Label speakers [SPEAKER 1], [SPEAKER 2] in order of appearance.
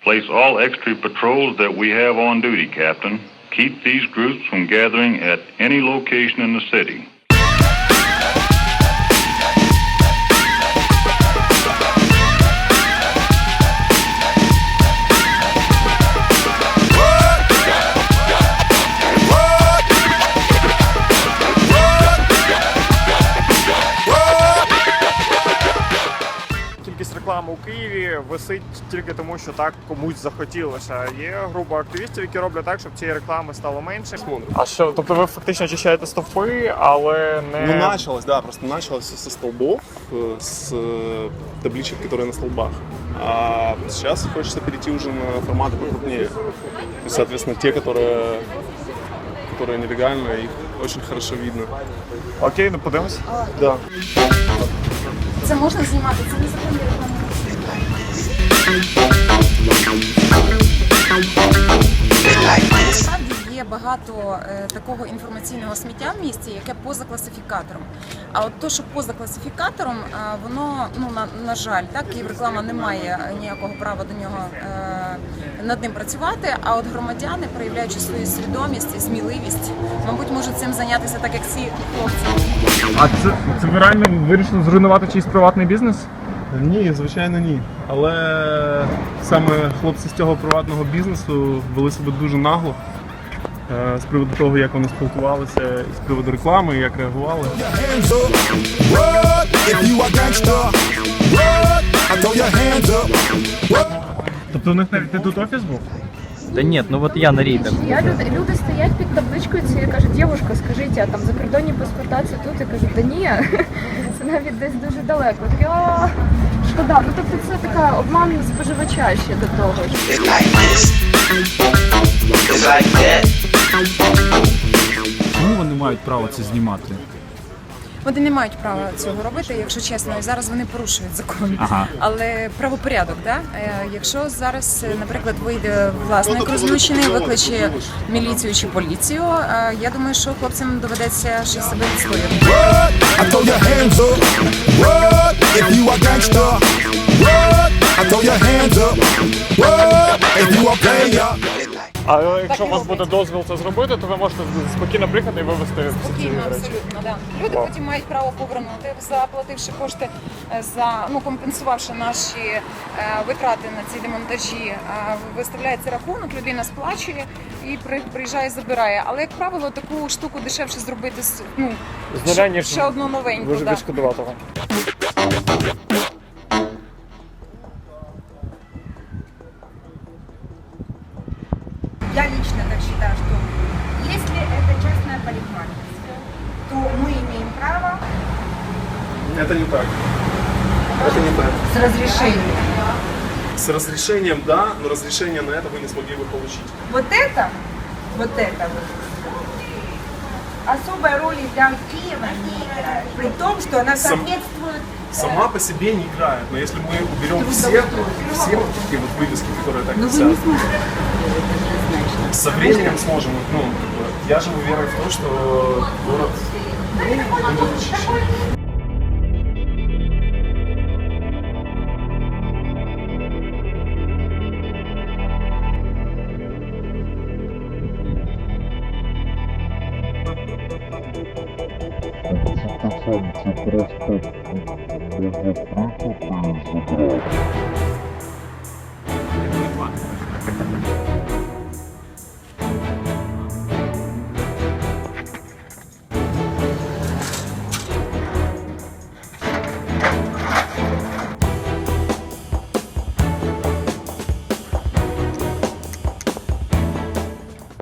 [SPEAKER 1] Place all extra patrols that we have on duty, Captain. Keep these groups from gathering at any location in the city.
[SPEAKER 2] Кількість реклами у Києві висить тільки тому, що так комусь захотілося. Є група активістів, які роблять так, щоб цієї реклами стало менше. А що, тобто ви фактично очищаєте стовпи, але не...
[SPEAKER 3] Ну, началось, да, просто началось со столбов, с табличек, которые на столбах. А сейчас хочется перейти уже на форматы покрупнее. И, соответственно, те, которые нелегальные, их очень хорошо видно.
[SPEAKER 2] Окей, ну подивимось.
[SPEAKER 3] Да.
[SPEAKER 4] Це можна знімати, це незаконні реклами. Насправді є багато такого інформаційного сміття в місті, яке поза класифікатором. А от то, що поза класифікатором, воно, ну, на жаль, так, Київреклама не має ніякого права до нього над ним працювати, а от громадяни, проявляючи свою свідомість і сміливість, мабуть, можуть цим зайнятися так, як ці хлопці.
[SPEAKER 2] А це ви реально вирішили зруйнувати чийсь приватний бізнес?
[SPEAKER 3] Ні, звичайно, ні. Але саме хлопці з цього приватного бізнесу вели себе дуже нагло з приводу того, як вони спілкувалися, і з приводу реклами, як реагували.
[SPEAKER 2] Тобто у них навіть не тут офіс був?
[SPEAKER 5] Да нет, ну вот я на рейдах.
[SPEAKER 6] Люди стоять під табличкою цією, кажуть, дівушка, скажіть, а там закордонні паспорта це тут? Я кажу, да ні, це навіть десь дуже далеко. Такі, шкода. Ну тобто це така обман споживача ще до того.
[SPEAKER 7] Чому вони мають право це знімати?
[SPEAKER 4] Вони не мають права цього робити, якщо чесно, і зараз вони порушують закон.
[SPEAKER 7] Ага.
[SPEAKER 4] Але правопорядок, да? Якщо зараз, наприклад, вийде власник розлючений, викличе міліцію чи поліцію, я думаю, що хлопцям доведеться щось себе відстояти.
[SPEAKER 2] А якщо у вас буде дозвіл це зробити, то ви можете спокійно приїхати і вивезти всі ці
[SPEAKER 4] Спокійно,
[SPEAKER 2] речі.
[SPEAKER 4] абсолютно, да. Люди потім мають право повернути, заплативши кошти за, ну, компенсувавши наші витрати на ці демонтажі. Виставляється рахунок, людина сплачує і приїжджає, забирає. Але, як правило, таку штуку дешевше зробити, ну,
[SPEAKER 2] З нуля, ніж
[SPEAKER 4] ще одну новеньку.
[SPEAKER 2] Дуже
[SPEAKER 4] Да.
[SPEAKER 2] відшкодуватого.
[SPEAKER 8] Я лично так считаю, что если это частная парикмахерская, то мы имеем право
[SPEAKER 3] Это не так. Это не так.
[SPEAKER 8] с разрешением.
[SPEAKER 3] С разрешением, да, но разрешение на это вы не смогли бы получить.
[SPEAKER 8] Вот это вот особой роли для Киева не играет. При том, что она соответствует...
[SPEAKER 3] Сама по себе не играет, но если мы уберем все вот такие вот вывески, которые так висят, со временем сможем, ну, как бы, я живу верой в то, что город будет очищен.
[SPEAKER 9] Це просто можна приїхати і забрати.